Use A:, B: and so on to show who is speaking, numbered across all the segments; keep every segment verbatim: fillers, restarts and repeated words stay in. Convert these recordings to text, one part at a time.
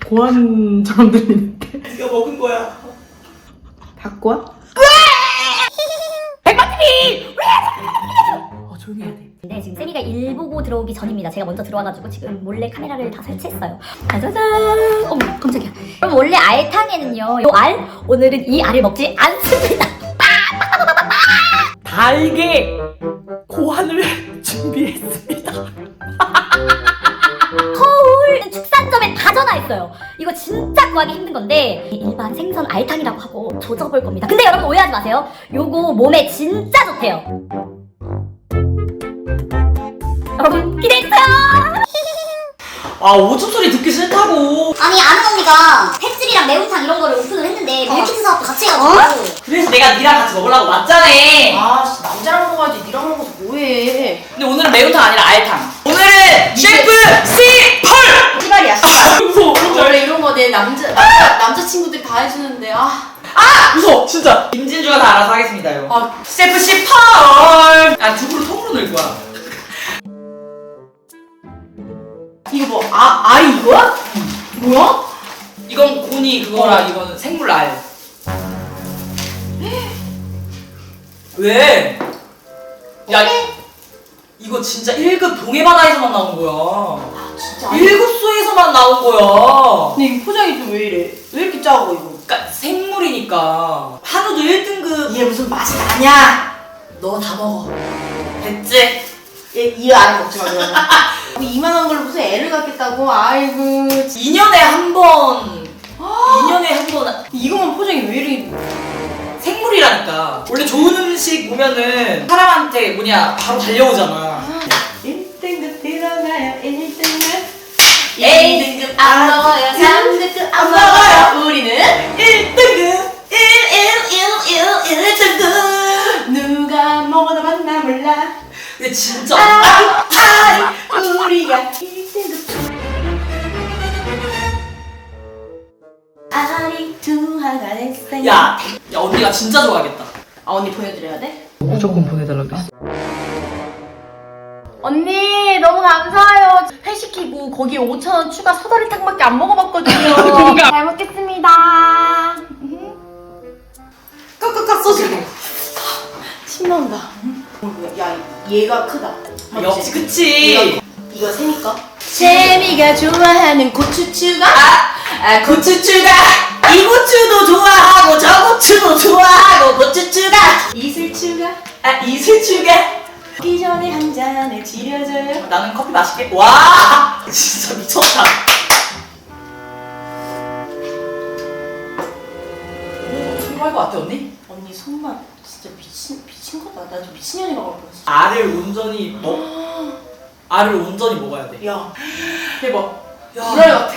A: 고환처럼 들리는데.
B: 네가 먹은 거야.
A: 닭고환? 백마티비! 어, 조용히 해야 돼.
C: 네, 지금 세미가 일 보고 들어오기 전입니다. 제가 먼저 들어와가지고 지금 몰래 카메라를 다 설치했어요. 짜자잔! 어머, 깜짝이야. 그럼 원래 알탕에는요, 이 알? 오늘은 이 알을 먹지 않습니다.
B: 달게 고환을 준비했습니다.
C: 서울 축산점에 다 전화했어요. 이거 진짜 구하기 힘든 건데 일반 생선 알탕이라고 하고 조져볼 겁니다. 근데 여러분 오해하지 마세요. 요거 몸에 진짜 좋대요. 여러분 기대해주세요.
B: 아 오줌 소리 듣기 싫다고.
D: 아니 아는 언니가 횟집이랑 매운탕 이런 거를 오픈을 했는데 밀키트 사업도 같이 해가지고
B: 그래서 내가 니랑 같이 먹으려고 왔잖아.
A: 아, 진짜 남자랑 먹어야지. 니랑 먹어서 뭐해.
B: 근데 오늘은 매운탕 아니라 알탕. 오늘은 셰프 씨펄!
A: 씨발이야, 씨발.
B: 무서워.
A: 원래 이런 거 내 남자, 남자, 남자친구들이 다 해주는데, 아.
B: 아! 무서워 진짜. 김진주가 다 알아서 하겠습니다요.
A: 아.
B: 셰프 씨펄! 아 두부를 통으로 넣을 거야.
A: 이거 뭐, 아, 알이 이거야? 뭐야?
B: 이건 고니 그거라
A: 어.
B: 이거는 생물 알. 왜? 야 이거 진짜 일 급 동해바다에서만 나온 거야.
A: 아, 진짜.
B: 일 급소에서만 나온 거야.
A: 근데 이 포장이 좀 왜 이래? 왜 이렇게 작아, 이거?
B: 그러니까 생물이니까 한우도 일 등급.
A: 얘 무슨 맛이 나냐?
B: 너 다 먹어. 됐지?
A: 얘, 이 알 먹지 마, 그러면. 이만한 걸로 무슨 애를 갖겠다고? 아이고.
B: 이 년에 한 번. 이 년에 한 번.
A: 이거만 포장이 왜 이렇게.
B: 생물이라니까. 원래 좋은 음식 보면은 사람한테 뭐냐 바로 달려오잖아.
A: 일 등급 들어가요, 일 등급.
B: 에이,
A: 이 등급 안 먹어요, 삼 등급 안 먹어요. 우리는
B: 일 등급. 일, 일, 일, 일, 일 등급.
A: 누가 먹어도 맛나 몰라.
B: 근데 진짜.
A: 아, 아, 우리가 일 등급. 알이 투하가 됐어요.
B: 야, 야 언니가 진짜 좋아하겠다.
A: 아, 언니 보여드려야 돼?
B: 무조건 보내달라고 했어.
A: 언니 너무 감사해요. 회 시키고 거기에 오천 원 추가 사다리탕밖에 안 먹어봤거든요.
B: 그러니까.
A: 잘 먹겠습니다.
B: 깍깍깍 써주고.
A: 침 나온다. 야, 얘가 크다.
B: 역시 그치.
A: 이거 세미까? 세미가 좋아하는 고추추가?
B: 아, 아 고추추가 이 고추도 좋아하고 저 고추도 좋아하고 고추추가
A: 이슬추가?
B: 아 이슬추가.
A: 먹기 전에 한 잔을 지려줘요.
B: 나는 커피 맛있게. 와 진짜 미쳤다. 오 정말 것 같아 언니?
A: 언니 손맛 진짜 미친 미친 거다. 나 좀 미친년이가 갈 뻔했어.
B: 알을 온전히 먹 알을 온전히 먹어야 돼.
A: 야, 대박.
B: 야.
A: 불알 같아.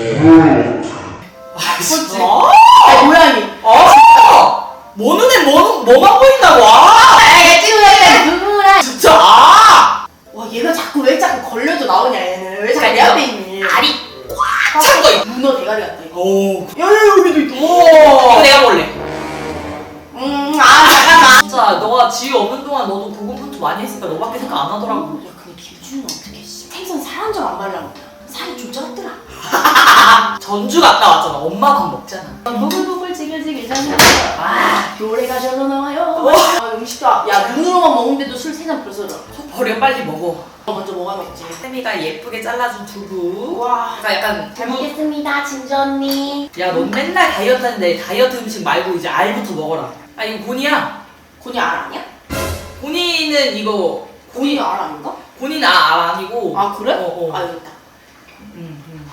B: 아 진짜.
A: 아, 모양이.
B: 아! 뭐 눈에 뭐, 뭐만 보인다고. 아!
A: 불알.
B: 진짜. 아!
A: 와, 얘가 자꾸 왜 자꾸 걸려도 나오냐, 얘는. 왜 자꾸 내
B: 그러니까
A: 앞에 있니?
B: 알이 꽉 찬 거.
A: 문어 대가리 같다, 이거.
B: 오.
A: 야, 야, 여기도 있다.
B: 이거 내가 먹을래.
A: 음, 아, 잠깐만.
B: 진짜 너가 지유 없는 동안 너도 고군분투 많이 했으니까 너밖에 생각 안 하더라고.
A: 야, 근데 김준은 어떻게 씨. 생선 살 한 점 안 발라먹냐? 살이 좀 쪘더라.
B: 전주 갔다 왔잖아. 엄마 밥 먹잖아.
A: 보글보글 지글지글잖아. 아, 노래가 절로 나와요.
B: 와.
A: 아, 음식도. 아- 야, 눈으로만 먹는데도 술 세 잔 벌써 들어.
B: 속 버려 빨리 먹어.
A: 너 먼저 먹어야겠지.
B: 세미가 예쁘게 잘라준 두부.
A: 와.
B: 그러니까 약간
A: 잘
B: 두부.
A: 먹겠습니다, 진주 언니.
B: 야, 넌 맨날 다이어트 하는데 다이어트 음식 말고 이제 알부터 먹어라. 아, 이거 곤이야.
A: 곤이 알 아니야?
B: 곤이는 이거
A: 곤이 알 아닌가?
B: 곤이는 아, 아 아니고.
A: 아, 그래?
B: 어, 어.
A: 아, 여기 있다.
B: 음, 음.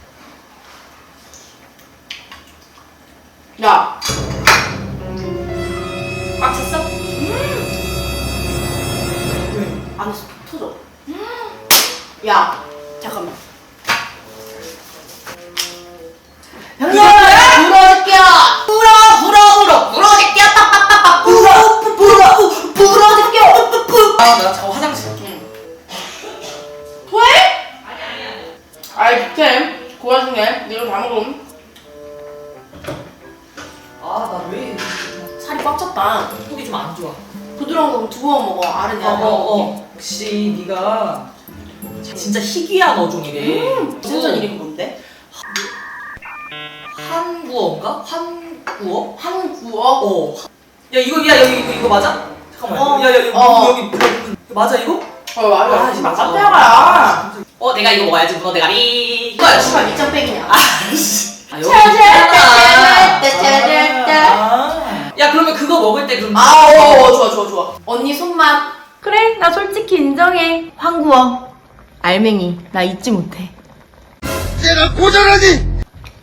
A: 야.
B: 꽉 찼어?
A: 안에서 터져. 야, 잠깐만.
B: 야!
A: 불어줄게요.
B: 불어 불어 불어 불어줄게요. 빠빠빠빠 불어 불어 불어줄게요. 뿌뿌뿌. 아, 나 잠깐 화장실.
A: 응. 토해? 아이, 밑에 그 와중에 이거 다 먹음.
B: 아, 나 왜
A: 살이 꽉 찼다.
B: 속이 좀 안 좋아.
A: 부드러운 거 두 번 먹어. 알은 내가 다 먹을게.
B: 역시 네가 진짜 희귀한 어종이래.
A: 생선 이름이 뭔데?
B: 한구어인가? 한구어?
A: 한구어?
B: 어. 야 이거 야 여기 이거, 이거 맞아? 잠깐만.
A: 어.
B: 야 야 여기
A: 어.
B: 여기 문어 이거 맞아 이거?
A: 어 맞아.
B: 아,
A: 지금
B: 맞아.
A: 깜짝이야.
B: 어 내가 이거 먹어야지 문어 대가리.
A: 이거야 씨발 밑장빼기냐.
B: 아, 씨. 아, 여기
A: 짜자자자자자자자자.
B: 있잖아. 야 그러면 그거 먹을 때 그럼
A: 아, 어, 어, 좋아, 좋아, 좋아. 언니 손맛. 그래, 나 솔직히 인정해. 황구어. 알맹이. 나 잊지 못해.
E: 내가 고절하니!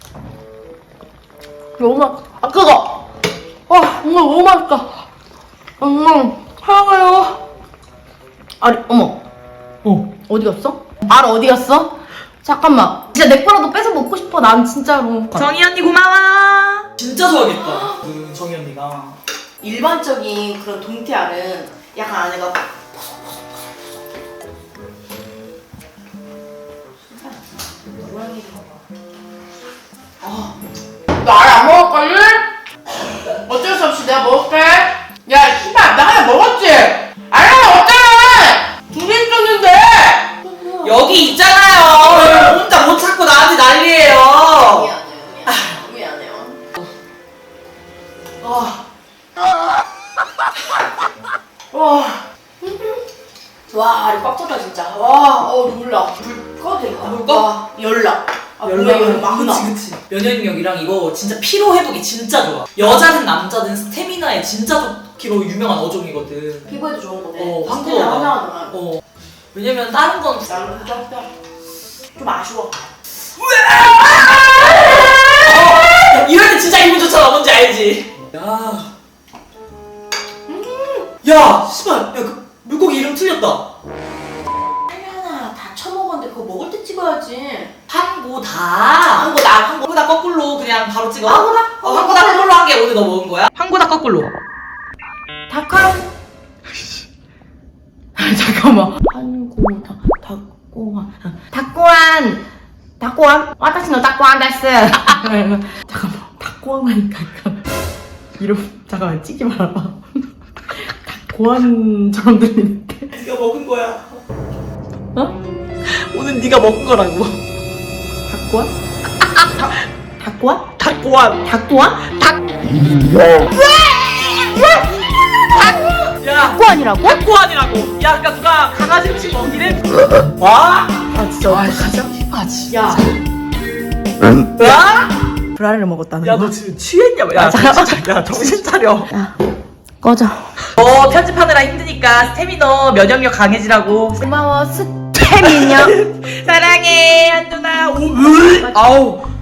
A: 너무 맛, 아, 그거! 와, 엄마 너무 맛있다. 엄마, 사랑해요. 아니, 어머. 어. 어디 갔어? 알 어디 갔어? 잠깐만. 진짜 내 거라도 뺏어 먹고 싶어, 난 진짜로.
B: 정희 언니 고마워. 진짜 좋아하겠다. 그 정희 언니가.
A: 일반적인 그런 동태알은 약간 안에가 너 알 안 먹을걸요? 어쩔 수 없이 내가 먹을게. 야, 씨발, 나 하나 먹었지? 알 하나 없잖아! 두 개 있었는데!
B: 여기 있잖아요. 혼자 못 찾고 나한테 난리예요.
A: 미안해요, 미안해요.
B: 아,
A: 와. 와, 알이 꽉 찼다, 진짜. 와, 어, 눈물 나. 불 꺼도 되겠다.
B: 불 꺼?
A: 와, 열나. 아, 뭐야, 이거 막 나.
B: 그치 그치. 면역력이랑 이거 진짜 피로 회복이 진짜 좋아. 여자든 남자든 스태미나에 진짜 좋기로 유명한 어종이거든.
A: 피부에도 좋은 거네.
B: 어,
A: 스테이나
B: 황구어가.
A: 하나하나.
B: 어. 왜냐면 다른 건
A: 나는 좀, 좀 아쉬워.
B: 어, 이럴 때 진짜 기분 좋잖아. 뭔지 알지? 야. 야, 씨발. 야, 그 물고기 이름 틀렸다.
A: 하나 다 처먹었는데 그거 먹을 때 찍어야지.
B: 한고다.
A: 한고다.
B: 한고다 거꾸로 그냥 바로 찍어.
A: 한고다?
B: 어, 한고다 거꾸로 한 게 오늘 너 먹은 거야? 한고다 거꾸로.
A: 닭한. 잠깐만. 한고다. 닭고한. 닭고한. 닭고한. 와타시노 닭고한 데스. 잠깐만. 닭고한 하니까 약간 이름 잠깐만 찍지 말아봐. 닭고한처럼 들리는데.
B: 네가 먹은 거야.
A: 어?
B: 오늘 네가 먹은 거라고.
A: 닭고한? 닭 닭고한?
B: 닭고한.
A: 닭고한? 닭.
B: 야,
A: 닭고한이라고?
B: 닭고한이라고. 야, 그러니까 누가 강아지 음식 먹기래? 와?
A: 아 진짜 어떡하죠? 아 진짜. 야.
B: 와?
A: 브라를 먹었다는
B: 야,
A: 거야?
B: 너 지금 취했냐? 야, 정신 차려. 야, 정신 차려.
A: 야, 꺼져.
B: 어, 편집하느라 힘드니까 스태미너 면역력 강해지라고.
A: 고마워, 스태미녀.
B: 사랑해, 한누나. 오, 으. 아우.